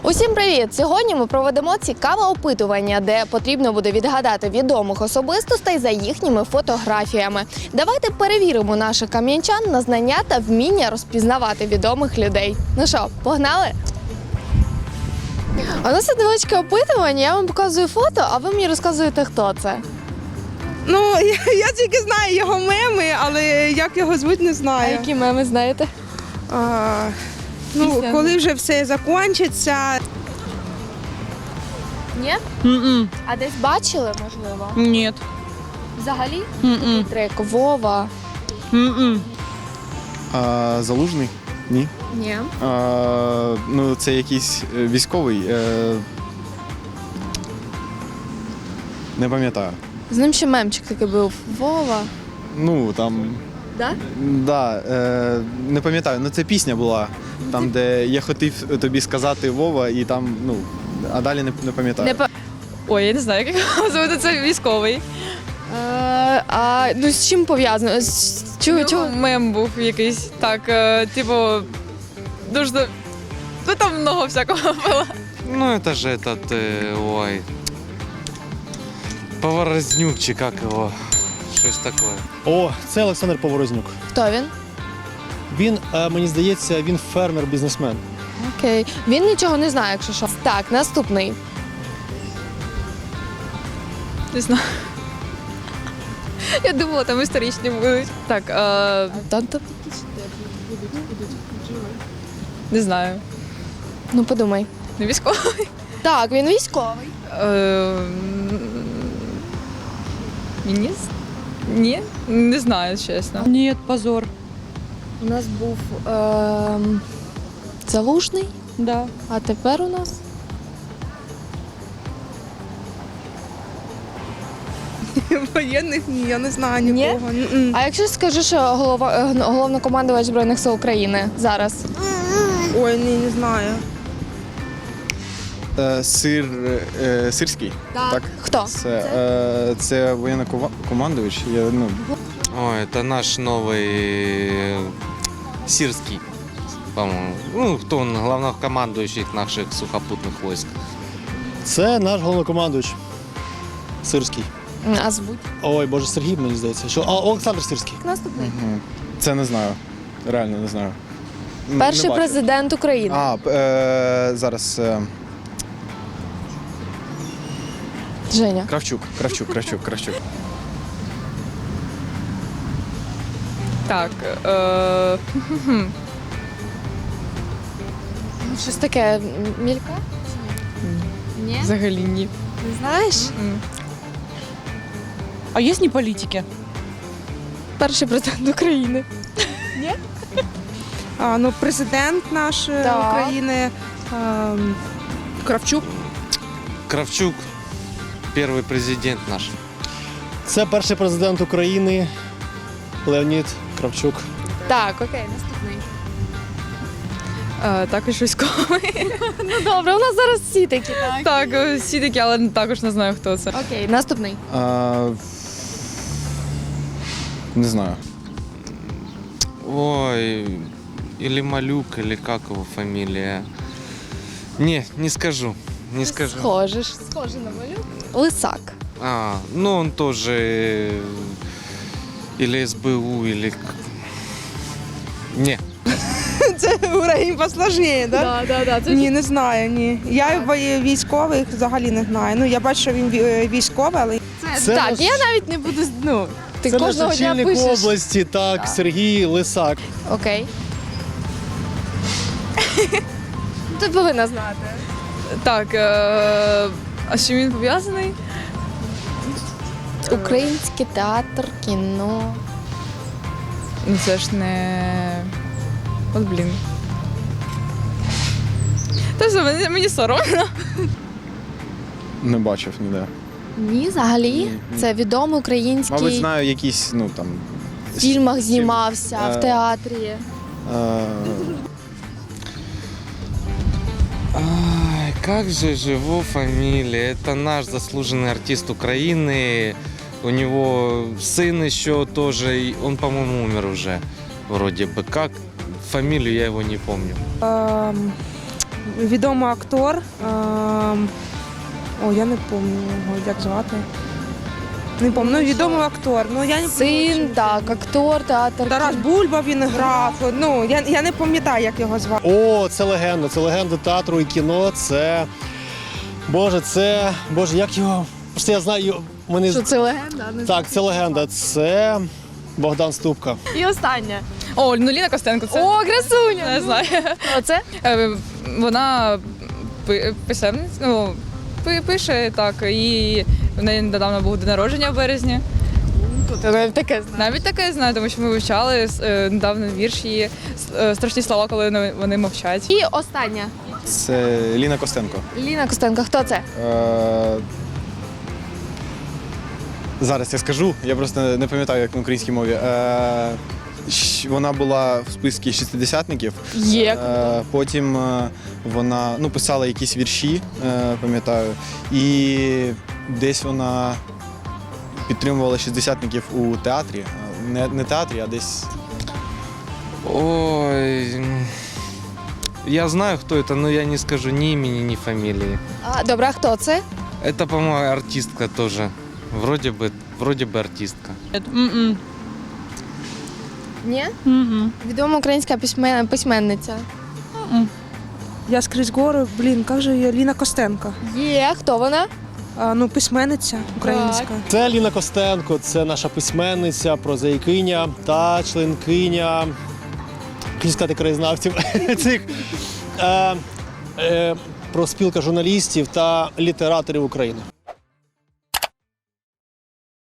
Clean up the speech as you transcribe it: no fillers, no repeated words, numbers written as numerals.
Усім привіт! Сьогодні ми проведемо цікаве опитування, де потрібно буде відгадати відомих особистостей за їхніми фотографіями. Давайте перевіримо наших кам'янчан на знання та вміння розпізнавати відомих людей. Ну що, погнали? У нас є невеличке опитування, я вам показую фото, а ви мені розказуєте, хто це. Ну, я тільки знаю його меми, але як його звуть, не А знаю. які меми знаєте? Пісня. Коли вже все закінчиться. Ні? А десь бачили, можливо? Нет. Взагалі? Такий трек Вова. Залужний? Ні. Ні. Ну, це якийсь військовий. Не пам'ятаю. З ним ще мемчик такий був. Вова. Ну, там. Да? Да, не пам'ятаю. Ну, це пісня була. Там, де я хотів тобі сказати Вова, і там, ну, а далі не пам'ятаю. Ой, я не знаю, як його звати, це військовий. Ну з чим пов'язано? Чого? Мем був якийсь, так, типу, дуже, ну там много всякого було. Ну, это же этот, ой, Поворознюк, чи как его, щось такое. О, це Олександр Поворознюк. Хто він? Він, мені здається, він фермер-бізнесмен. Окей. Він нічого не знає, якщо що. Так, наступний. Не знаю. Я думала, там історичні будуть. Так, не знаю. Ну подумай. Не військовий. Так, він військовий. Міністр? Ні, не знаю, чесно. Нет, позор. У нас був Залужний, Да. а тепер у нас. Воєнних ні, я не знаю Ні? нікого. Ні? А якщо скажу, що головнокомандувач Збройних сил України зараз? Ой, ні, не знаю. Сирський? Так. Хто? Це воєнно-командувач. Ой, это наш новый Сирский, по-моему. Ну, кто он, главнокомандующий наших сухопутных войск. Це наш головнокомандуючий. Сирський. А звуть? Ой, боже, Сергій, мені здається. Що? Олександр Сирський. Наступний. Це не знаю. Реально не знаю. Перший Не бачив. президент України. Зараз. Женя. Кравчук. Так, Щось таке мілька? Ні? взагалі ні. Не знаєш? А есть не политики? Перший президент України. Ну, президент наш Так. України Кравчук. Кравчук, первый президент наш. Це перший президент України Леонід Кравчук. Так, окей, наступний. Також військовий. Ну добре, у нас зараз всі такі, так? Так, всі такі, але також не знаю, хто це. Окей, наступний. Не знаю. Ой, или Малюк, или как его фамилия. Не скажу, не скажу. Схожий на малюк. Лисак. Ну он тоже или СБУ, или... Не. Це уровень посложніше, так? Да. Ні, не знаю, ні. Я військових взагалі не знаю. Ну, я бачу, що він військовий, але Це Так, наш- я навіть не буду, ти Це наш кожного дня очільник пишеш. області, так, Сергій Лисак. Окей. Ти повинна знати. Так, а з чим він пов'язаний? Український театр, кіно. Ну це ж не... От блін. Та все, мені соромно. Не бачив ніде. Ні, взагалі. Ні. Це відомий український. Мабуть, знаю якісь, ну там. В фільмах знімався, в Е, театрі. Ай, как же его фамилия? Это наш заслуженный артист Украины. У него сын еще тоже, и он, по-моему, умер уже. Вроде бы как. Фамилию я его не помню. відомий актор. Я не пам'ятаю його, як звати. Не пам'ятаю, відомий актор. Ну, я не Син, пам'ятаю. так, актор, театр. Тарас Бульба він грав. Ну, я не пам'ятаю, як його звати. О, це легенда театру і кіно. Це. Боже, як його. Просто я знаю, мене. Що це легенда? а не Так, це легенда. Це Богдан Ступка. І останнє. О, ну Ліна Костенко, це О, красуня! не знаю. Оце? Вона писемниця, ну, пише так, і в неї недавно був день народження в березні. Тут я навіть таке знаю. Навіть таке знаю, тому що ми вивчали недавно вірш її страшні слова, коли вони мовчать. І остання. Це Ліна Костенко. Ліна Костенко, хто це? Зараз я скажу, я просто не пам'ятаю, як на українській мові. Вона була в списку шістдесятників. Є. Потім вона писала якісь вірші, пам'ятаю. І десь вона підтримувала шістдесятників у театрі. Не театрі, а десь. Ой, я знаю, кто это, но я не скажу ни имени, ни фамилии. Добре, а хто це? Это, по-моему, артистка тоже. Вроде бы артистка. М-м. Ні? Мгм. Відома українська письменниця. Я скрізь гору, як же її? Ліна Костенко. Є, хто вона? Письменниця українська. Це Ліна Костенко, це наша письменниця, прозаїкиня та членкиня, хотів сказати, краєзнавців цих профспілка журналістів та літераторів України.